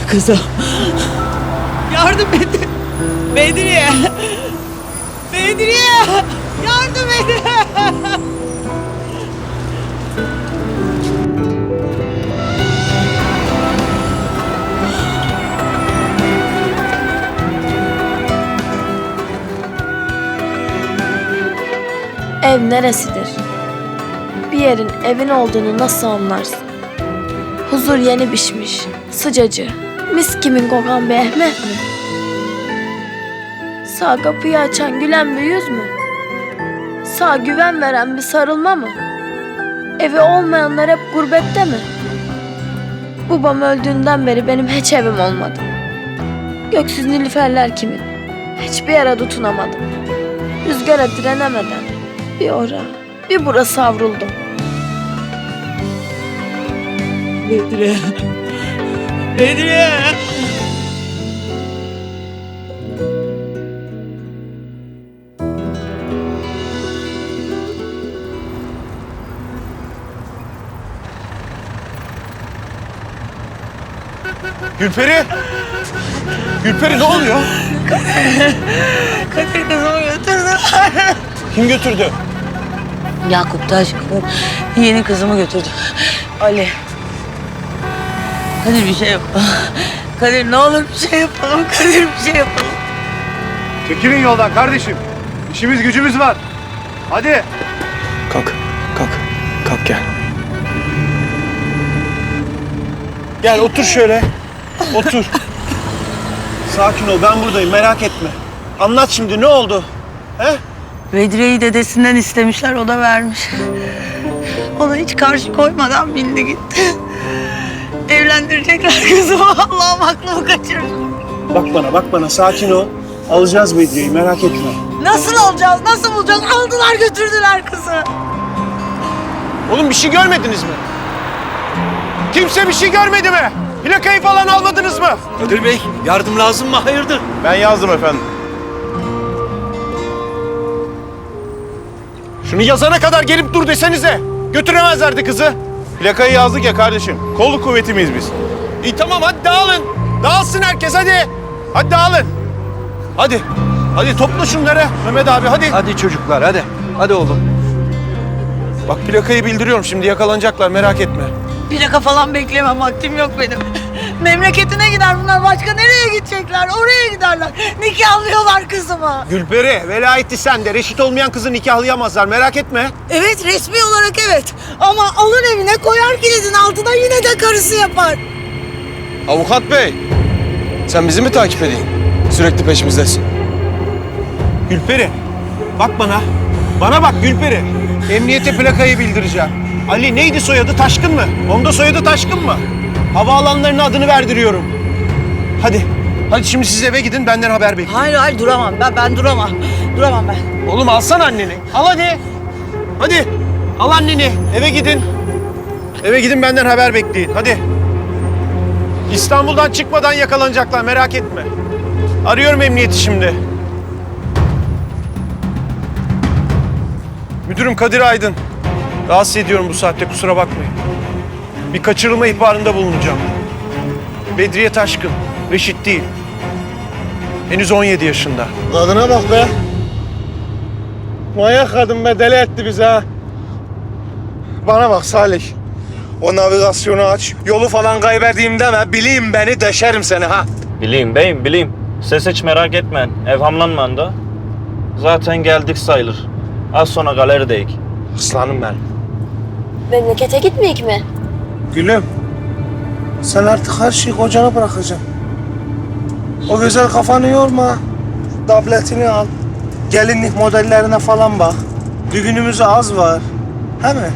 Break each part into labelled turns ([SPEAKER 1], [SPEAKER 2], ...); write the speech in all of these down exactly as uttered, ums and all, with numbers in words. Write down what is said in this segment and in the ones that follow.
[SPEAKER 1] Kızım. Yardım edin. Bedriye. Bedriye. Yardım edin.
[SPEAKER 2] Ev neresidir? Bir yerin evin olduğunu nasıl anlarsın? Huzur yeni pişmiş, sıcacı, mis kimin kokan bir Ehmet mi? Sağ kapıyı açan gülen bir yüz mü? Sağ güven veren bir sarılma mı? Evi olmayanlar hep gurbette mi? Babam öldüğünden beri benim hiç evim olmadı. Göksüz nilüferler kimin? Hiçbir yere tutunamadım. Rüzgara direnemeden bir ora, bir bura savruldum.
[SPEAKER 1] Bedriye. Bedriye.
[SPEAKER 3] Gülperi! Gülperi ne oluyor?
[SPEAKER 1] Kadir kızımı götürdü.
[SPEAKER 3] Kim götürdü?
[SPEAKER 1] Yakup Taş yeni kızımı götürdü. Ali. Kadir bir şey yap. Kadir ne olur bir şey yapalım. Kadir bir şey yapalım.
[SPEAKER 3] Çekilin yoldan kardeşim. İşimiz gücümüz var. Hadi. Kalk, kalk. Kalk gel. Gel otur şöyle. Otur. Sakin ol, ben buradayım, merak etme. Anlat şimdi, ne oldu? He?
[SPEAKER 1] Bedriye'yi dedesinden istemişler, o da vermiş. Ona hiç karşı koymadan bindi gitti. Evlendirecekler kızımı. Allah'ım aklımı kaçırır.
[SPEAKER 3] Bak bana, bak bana, sakin ol. Alacağız Bedriye'yi, merak etme.
[SPEAKER 1] Nasıl alacağız, nasıl bulacağız? Aldılar götürdüler kızı.
[SPEAKER 3] Oğlum bir şey görmediniz mi? Kimse bir şey görmedi mi? Plakayı falan almadınız mı?
[SPEAKER 4] Kadir Bey, yardım lazım mı? Hayırdır?
[SPEAKER 3] Ben yazdım efendim. Şunu yazana kadar gelip dur desenize. Götüremezlerdi kızı. Plakayı yazdık ya kardeşim. Kolluk kuvvetimiz biz. İyi tamam hadi dağılın. Dağılsın herkes hadi. Hadi dağılın. Hadi. Hadi topla şunları Mehmet abi hadi.
[SPEAKER 4] Hadi çocuklar, hadi. Hadi oğlum.
[SPEAKER 3] Bak plakayı bildiriyorum şimdi yakalanacaklar merak etme.
[SPEAKER 1] Plaka falan beklemem, vaktim yok benim. Memleketine gider bunlar, başka nereye gidecekler? Oraya giderler. Nikahlıyorlar kızımı.
[SPEAKER 3] Gülperi velayeti sende. Reşit olmayan kızı nikahlayamazlar merak etme.
[SPEAKER 1] Evet, resmi olarak evet. Ama alır evine koyar kilidin altına, yine de karısı yapar.
[SPEAKER 4] Avukat Bey, sen bizi mi takip edeyim? Sürekli peşimizdesin.
[SPEAKER 3] Gülperi bak bana. Bana bak Gülperi. Emniyete plakayı bildireceğim. Ali neydi soyadı Taşkın mı? Onda soyadı Taşkın mı? Havaalanlarının adını verdiriyorum. Hadi. Hadi şimdi siz eve gidin benden haber bekleyin.
[SPEAKER 1] Hayır hayır, duramam ben, ben duramam. Duramam ben.
[SPEAKER 3] Oğlum alsana anneni. Al hadi. Hadi. Al anneni. Eve gidin. Eve gidin benden haber bekleyin. Hadi. İstanbul'dan çıkmadan yakalanacaklar merak etme. Arıyorum emniyeti şimdi. Müdürüm Kadir Aydın. Rahatsız ediyorum bu saatte kusura bakmayın. Bir kaçırılma ihbarında bulunacağım. Bedriye Taşkın. Reşit değil. Henüz on yedi yaşında.
[SPEAKER 5] Kadına bak be. Manyak kadın be, deli etti bizi ha. Bana bak Salih. O navigasyonu aç. Yolu falan kaybettiğim deme. Bileyim beni, deşerim seni ha.
[SPEAKER 6] Bileyim beyim, bileyim. Siz hiç merak etmeyin. Evhamlanmayın da. Zaten geldik sayılır. Az sonra galerideyik.
[SPEAKER 5] Aslanım benim.
[SPEAKER 2] Memlekete gitmeyik mi?
[SPEAKER 5] Gülüm. Sen artık her şeyi kocana bırakacaksın. O güzel kafanı yorma. Tabletini al. Gelinlik modellerine falan bak. Düğünümüz az var. He mi?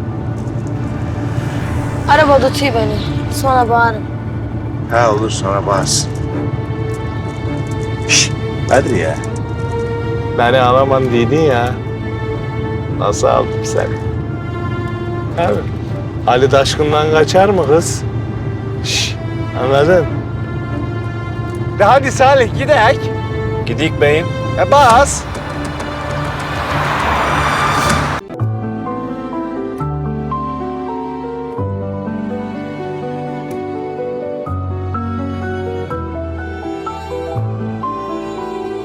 [SPEAKER 2] Araba tutuyor beni. Sonra bağırın.
[SPEAKER 5] He olur, sonra bağırsın. Şşş, hadi ya. Beni alaman dedin ya. Nasıl aldım seni? He mi? Ali Taşkın'dan kaçar mı kız? Şşş, anladın? De hadi Salih gidelim.
[SPEAKER 6] Gidik beyim.
[SPEAKER 5] E bas.